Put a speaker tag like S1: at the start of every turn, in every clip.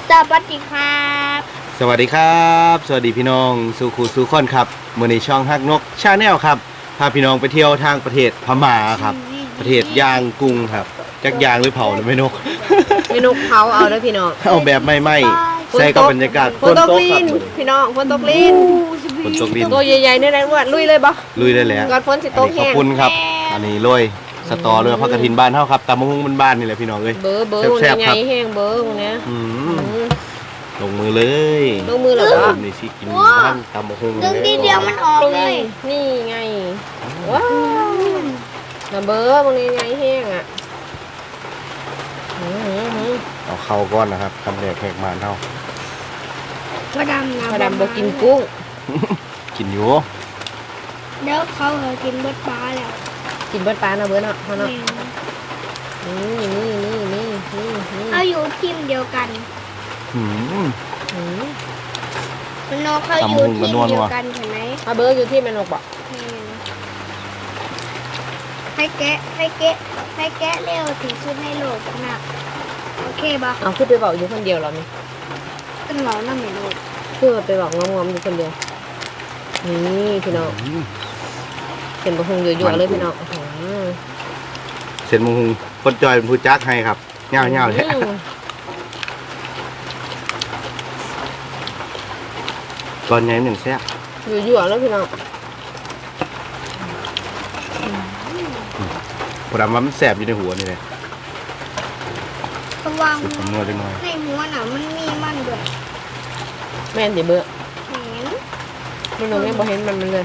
S1: สวัสดีครับ
S2: สวัสดีครับสวัสดีพี่น้องสู่คูสู่คนครับเมื่อในช่องฮักนกชาแนลครับพาพี่น้องไปเที่ยวทางประเทศพม่าครับประเทศย่างกุ้งครับจักยางหรือเผาหรือไม่นก
S3: ไม่นกเผาเอาเด้อพี่น้อง
S2: เอาแบบไม่ใส่กับบรรยากาศ
S3: ฝนตกลินพี่น้องฝนตกลิน
S2: ฝนตกดิน
S3: ตัวใหญ่ๆนี่แหละว่าลุยเลยบ่
S2: ลุยได้แล้ว
S3: ก่อนฝนสิตก
S2: ข
S3: แห้
S2: อบ
S3: ง
S2: คุณครับอันนี้โรยสตอเลยพักกระถินบ้านเท่าครับตำมะฮุ่งบ้านๆนี่แหละพี่น้องเลย
S3: เบอร์
S2: แซ่บๆ
S3: ให
S2: ครั
S3: ญ่
S2: บ
S3: ๆแห้งเบอร์พวกเนี้ย
S2: ลงมือเลย
S3: ลงมือเหรอ
S2: ผมนี่สิกินบ้านตำมะฮุ่ง
S1: ดึงทีเดียวมันออกเลย
S3: นี่ไงว้าวน่ะเบอร์พวกนี้ใหญ่แห้งอ่ะ
S2: เอาเข้าก้อนนะครับทำแดกแหกมานเท่า
S1: พอดำนะ
S3: มาดำบ่กินกุ้ง
S2: กินอยู่
S1: เดี๋ยวเขากินเบิดปลาแล้ว
S3: กินเบิดปลานะเบอร์เนาะเนาะ
S1: แม่
S3: นี่
S1: เขาอยู่ทีมเดียวกัน
S2: อืม
S1: น้องเขาอยู่ทีมเดียวกันใช่ไหม
S3: มาเบอร์อยู่ที่แม่นกบ่
S1: ให้แกะเร็วถึงสุดในโลกหนักโอเคป่ะ
S3: เอาขึ้นไปบอกอยู่คนเดียวเหรอนี่
S1: ขึ้นหลอนั่นไม่รู้
S3: คือไปบอกงอมๆอยู่คนเดียวนี่พี่น้องเป็นบะฮงเยอะๆเลยพี่น้อง
S2: เสร็จมงคงคนจอยเป็นผู้จักให้ครับเงาๆเลยตอนนี้หนึ่งแซ่บ
S3: เยอะๆแล้วพี่น้อง
S2: ผมว่ามันแซ่บอยู่ในหัวนี่เลย
S1: ระวัง
S2: สุดผมนวดเล็กน้อย
S1: ในหัวน่ะมันมีมันด้วย
S3: แม่นสิเบื่อ
S1: เห็น
S3: มันลงยังบ่เห็นมันเลย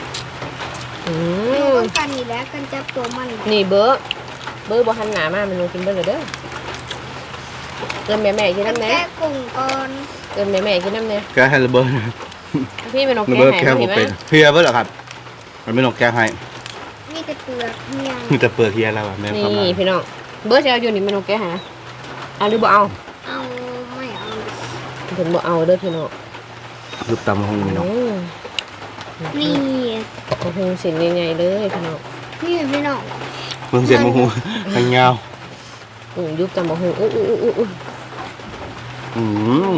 S1: อยู่กันกันนี่แหละกันจับตัวมัน
S3: นี่เบอร์บ่หันหน้ามามันลงกินเบิ่เลยเด้อเอิ้นแม่ๆกินน้ำแน่
S1: แกะกุ้งก่อน
S3: เอิ้นแม่ๆกินน้ำแน่
S2: แกให้ระเบิด
S3: พี่แม่นก
S2: ระ
S3: แก้
S2: เบิด
S3: ให้
S2: แก
S3: เห็
S2: ผม
S3: นไหม
S2: เป็นเฮียเบิดเหรอครับมันไม่นกแกให้
S1: มีแต่เปลือกเนี่ย
S2: มีแต่เปลือกเฮียแล้วอะแม่ประมา
S3: นี่
S2: ณ
S3: พี่น้องเบอร์จะเอาอยู่นี่แม่นกแก้ให้นะเอาหรือบ่เอา
S1: เอาไม่เอา
S3: เพิ่นบ่เอาเด้อพี่น้อง
S2: รูปตำมงนี่เนาะ
S1: นี่
S3: บะฮงสินใหญ่ๆเลยพี่น้อง
S1: นี่พี่น้อง
S2: เพิ่งเสร็จมงคงทางเงา
S3: ยุบจำบะฮงอุ้ย
S2: อืม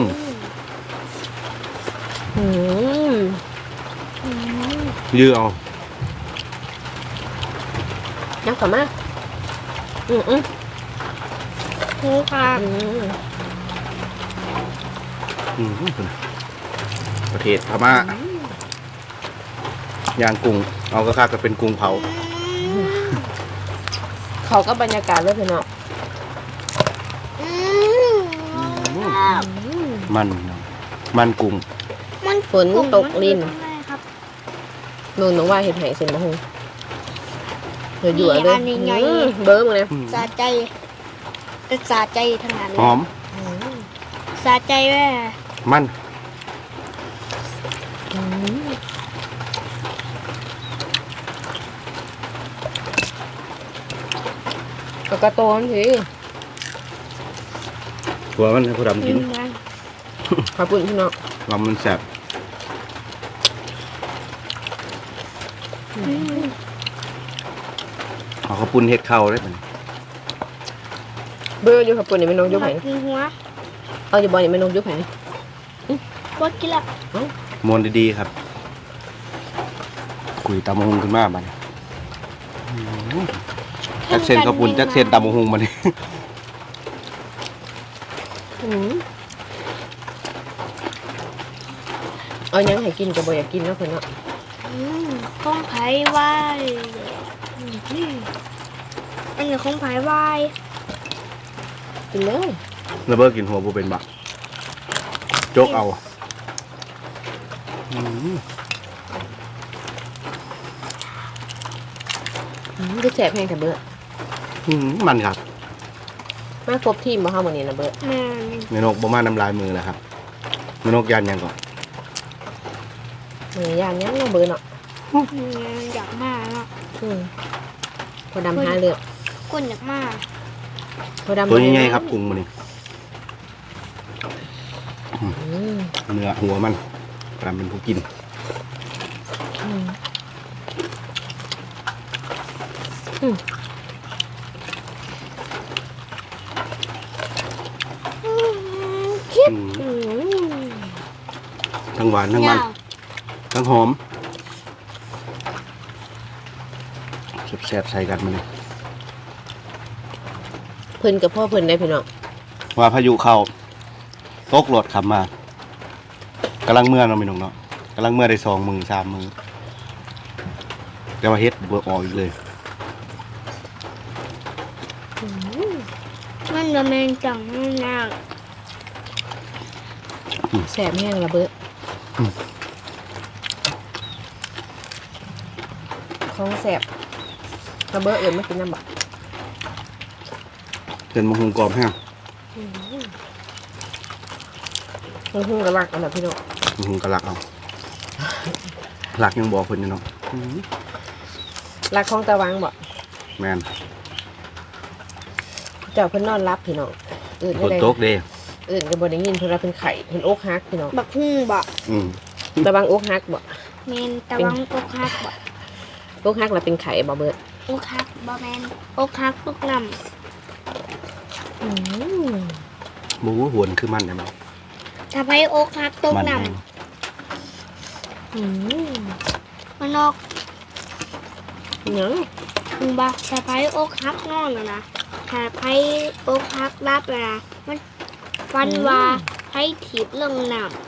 S2: ยื้อเอา
S3: ยักษ์กลับมา
S1: หูค่ะ
S2: ประเทศพม่าย่างกุ้งเอากระคาก็เป็นกุ้งเผา
S3: เขาก็บรรยากาศเลยพี่น้อง
S2: มันกุ้ง
S1: มัน
S3: ฝนตกลิน
S1: ครับ
S3: นูนน้องว่าเห็ดไห่เส้นบะฮงเดี๋ยวอยู่เลยเบอร์มึงนะ
S1: สาใจแต่สาใจทั้งนั้น
S2: หอม
S1: สาใจแม่
S2: มัน
S3: ก็กระโตนสิ
S2: หัวมันให้ผู้ดำกิน
S3: ขอบคุณพี่น้อง
S2: ลำมันแสบเอาข้าวปุ้นเห็ดเข้าได้ไหม
S3: เบอร์อยู่ขอบคุณนี่ไม่น้องยุบไห่
S1: กินหัว
S3: เอาอยู่บ่อนี่ไม่น้องยุบไห่
S1: บดกินละ
S2: มวนดีๆครับคุยตำมะฮุงขึ้นมาบ้านจักเซนข้าวปุ้นจักเซนตำมะฮุงมาเนี่ย
S3: เอายังให้กินก็บ่อยากกินแล้วเพิ่นเนาะ
S1: ข้องไผ่ไหวอันนี้ข้องไผ่ไหว
S3: กินเลย
S2: ระเบิดกินหัวบูเป็นบักโจกเอา
S3: ก็แสบแห้งแต่เบอร์
S2: มันครับ
S3: มาครบทีมบ่เฮามื้อนี้นะเบอร์
S1: แม่
S2: เมนกประมาณน้ำลายมือแล้วครับเมนกยันยังก่อน
S3: มื้อยานยังเนาะเบอร์เนาะ
S1: อยากมากเนาะ
S3: พอดำหาเลือก
S1: คนอยากมาก
S3: พอดำ
S2: ตัวใหญ่ๆครับกุ้งมันนี่เนื้อหัวมันกำลังเป็นผู้กิน
S1: เคิด
S3: อืม
S2: ทั้งหวานทั้งมันทั้งหอมแซ่บๆใส่กันมาเลย
S3: เพิ่นกับพ่อเพิ่นได้พี่น้อง
S2: ว่าพายุเข้าตกรถขับมากำลังเมื่อเราะพี่น้องเนาะกำลังเมื่อได้2 มือ3 มือแต่ว่าเฮ็ดบ่ออกอีกเลย
S1: มันจะเป็นจังนาง
S3: แสบแห้งระเบิดของแสบระเบิดอื่นไม่กินน้ำบัก
S2: เป็นมะฮุงกรอบแห้ง
S3: มันหุ้งกระลักอันดับพี่น้อง
S2: มะฮุงกะลักเอาหลักยังบอกเพิ่นอยู่เนาะ
S3: รักของตะวังบ่
S2: แม่น
S3: เจ้าเพิ่นนอนรับพี่น้องอื่น
S2: ฝ
S3: ไม่
S2: น
S3: ได้
S2: ตกเด้
S3: อื่นก็บ่ได้ยินเพิ่นว่าเป็นไข่เพิ่นอกหักพี่น้อง
S1: บักหุ่งบ่
S2: อืม
S3: ตะวังอกหักบ่
S1: เมนตะวังอกฮักบ่
S3: อกหักแล้วเป็นไข่บ่เบิด
S1: อกฮักบ่แมนอกฮักตกน้
S2: หมูหวนคือมันได้มั้ย
S1: ำถ้าไปอกฮักตก
S2: มัน
S1: น้
S2: แห้ง
S1: ำมันออก
S3: หยัง
S1: ถึงบ่ถ้าไปอกฮักนอนน่ะนะถ้าไปอกฮักรับน่ะนะมันฟันว่าให้ถีบลงน้ำ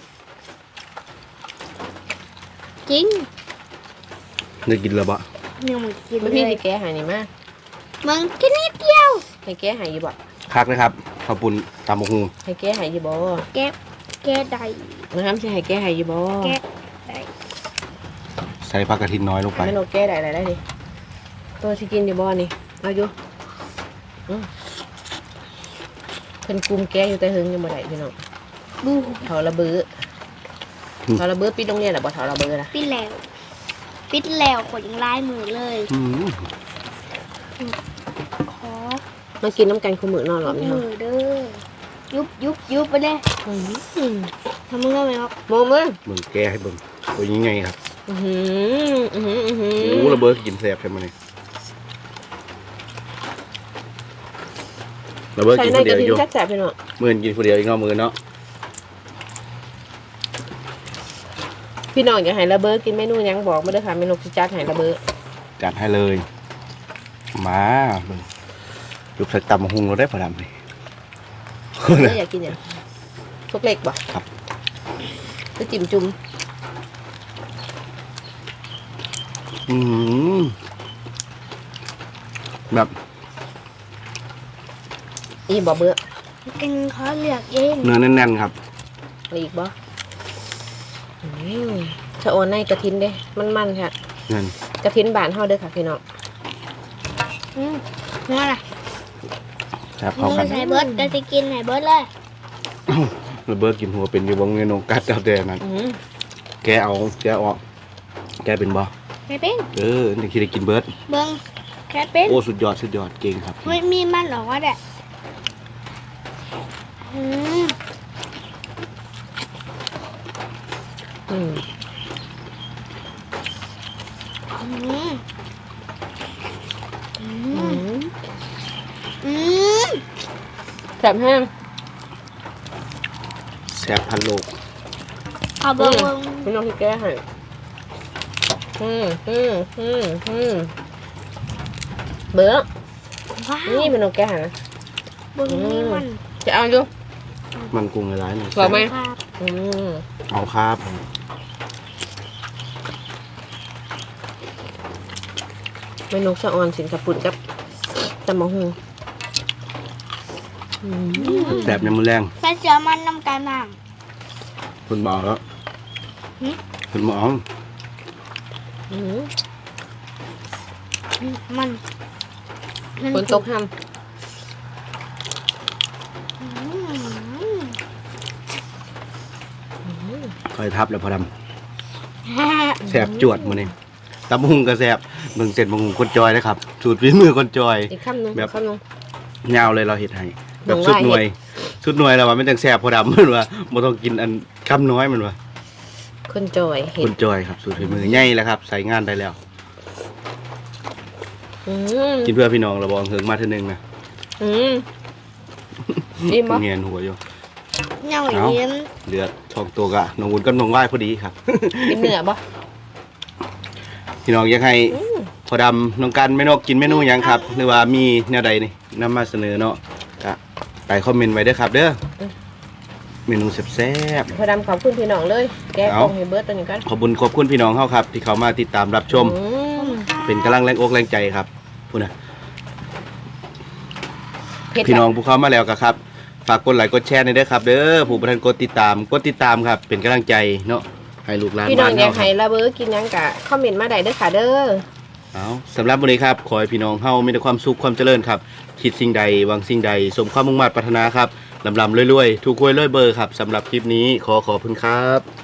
S1: จริง
S2: ได้กินแล้วบ่
S1: เนี่ยมันกิน
S3: บ่
S1: เล
S3: พี่
S1: ย
S3: สิแก้ให้นี่มา
S1: มึงกินนิดเดียว
S3: ให้แก้ให้อยู่บ่
S2: คักเลยครับข้าวปุ้นตำมะฮุง
S3: ให้แก้ให้อยู่บ่
S1: แก้แก้ใด
S3: นะครับสิให้แก้ให้อยู่บ่
S1: แก้ใด
S2: ใส่ผักกระถินน้อยลงไป
S3: ไม่นกแก้ได้ได้ดิตัวสิกินอยู่บ่นี่เอาอยู่เพิ่นกุมแก้อยู่แต่หึงยังบ่ได้พี่น้อง
S1: ดู
S3: เถาระเบือเถาระเบือปิดโรงเรียนล่ะบ่เถาระเบือล่ะ
S1: ปิดแล้วปิดแล้วขนยังลายมือเลย
S2: อืม
S1: ขอ
S3: มากินน้ำกันคู่มื้อนอนหรอ
S1: มื
S3: พี่น้อง
S1: อเด้อยุบไปเลยทำมึงก็ไม่ออก
S3: โมมือ
S2: เบิ่งแกให้เบิ่งตัวยังไงครับ โอ้ระเบิดกินแซ่บใช่ไหมนี่ระเบิด
S3: ใส่
S2: กิน
S3: ใน
S2: คน
S3: ก
S2: เดี
S3: ระ
S2: ยว
S3: ดิ่
S2: อยู่
S3: งแซ่บๆพี่น้อง
S2: มือกินคนเดียวอีกเนาะมือเนาะ
S3: พี่น้องอยากให้ระเบิดกินเมนูหยังบอกมาเด้อค่ะเมนูสิจัดให้ระเบิด
S2: จัดให้เลย มาเบิ่งยุบใส่ตำมะฮุงเราได้พอดำเลย
S3: แล้วอยากกินหยังทุกเล็กบ่
S2: ครับ
S3: คือจิ้มจุ่ม
S2: อืมแบบ
S3: อีบ่เบื่อ
S1: กินเขาเลือกเอง
S2: เนื้อแน่นๆครับ
S3: เอาอีกบ่ชะโอนในกระทินเด้มันๆค่ะ
S2: นั่น
S3: กระทินบ้านเฮาเด้อค่ะพี่น้อง
S1: นั่นแหละ
S2: แซ่บเข้ากัน
S1: ไหนเบิร์ดจะกินไหนเบิร์ดเลย
S2: ระเบิดกินหัวเป็นอยู่บงเงินองกัดเอาแต่นั้นแกเอาแกออกแกเป็นบ่
S1: แค่เป็น
S2: นี่คิดได้กินเบิร์ด
S1: เบิ้งแค่เป็น
S2: โอ้สุดยอดเก่งครับ
S1: ไม่มีมันหรอกว่าแดะอืม
S3: อืม
S1: อืมอื
S3: อื
S1: ม
S3: ม
S1: อืม
S3: แซ่บแห้ง
S2: แซ่บพันโลก
S1: เอาเบิ้ง
S3: พี่น้องที่แก้ให้เบื่อ
S1: ว้าว
S3: นี่พี่น้องแก้ให้นะ
S1: เบิ้งนี่มัน
S3: จะเอาอยู่
S2: มันกุ้งหลายๆหน่อย
S3: บอกไหม
S1: ครับ
S2: เอาครับ
S3: เมนูชะออนสินกระปุ่นกับตำมะฮุง
S2: แซ่บในมือแรง
S1: แค่เสือมันน้ำกันบ้าง
S2: คุณบอกแล้ว
S1: หึ
S2: คุณหมอ
S1: มัน
S3: ฝนตกห้
S1: อืม
S2: คอยทับแล้วพอดำแซ่บจวดมื้อนี้ตำบักหุงก็แซ่บเบิ่งเสร็จบักหุงคนจอยนะครับสูตรฝีมือคนจอย
S3: ำอีกคำหนึง
S2: แบบ
S3: คำหนึง
S2: ยาวเลยเราเฮ็ดให้แบบ
S3: หนู
S2: สุด
S3: ว่า
S2: หน่วยสุดหน่วยแล้วว่ามันจังแซ่บพอดำมันว่าบ่ต้องกินอันคำน้อยมันว่า
S3: คนจอยเห็
S2: ค
S3: ด
S2: นจอยครับสูตรฝีมือใหญ่แล้วครับใส่งานได้แล้ว
S3: อืม
S2: กินเพื่อพี่น้องเราบอกเฮิงมาเทื่อนึงนะ
S3: อืมอิ่มบ่
S2: เงียนหัวอยู่
S1: เน่าอย่างนี้
S2: เหลือช่องตัวกะน้องวุ้นกับน้องว่ายพอดีครับ
S3: เป็นเนื้อบ่
S2: พี่น้องอยากให้พอดำน้องกันแม่นกกินเมนูหยังครับหรือว่ามีแนวใดนี่นำมาเสนอเนาะก็ใต้คอมเมนต์ไว้เด้อครับ เด้อเมนูแซ่บ
S3: พอดำขอบคุณพี่น้องเลยแกะกล่องให้เบิร์ดตัวนี้กัน
S2: ๆขอบคุณพี่น้องเฮาครับ ที่เขามาติดตามรับชม เป็นกำลังแรงอกแรงใจครับพูดนะ
S3: เผ็ด
S2: พี่น้องผู้เข้ามาแล้วก็ครับฝากกดไลค์กดแชร์หน่อยเด้อครับ เด้อผู้ประทานกดติดตามครับ เป็นกำลังใจเนาะให้ลูกหลาน
S3: พี่น้อง
S2: บ้าน
S3: อยาก
S2: เฮา
S3: ให้ระเบิดกินหยังกะคอมเมนต์มาได้เด้อค่ะเด้อ
S2: เอาสำหรับวันนี้ครับขอให้พี่น้องเฮามีแต่ความสุขความเจริญครับ คิดสิ่งใดหวังสิ่งใด สมความมุ่งมั่นปรารถนาครับลำรวยๆถูกหวยรวยเบอร์ครับสำหรับคลิปนี้ขอบคุณครับ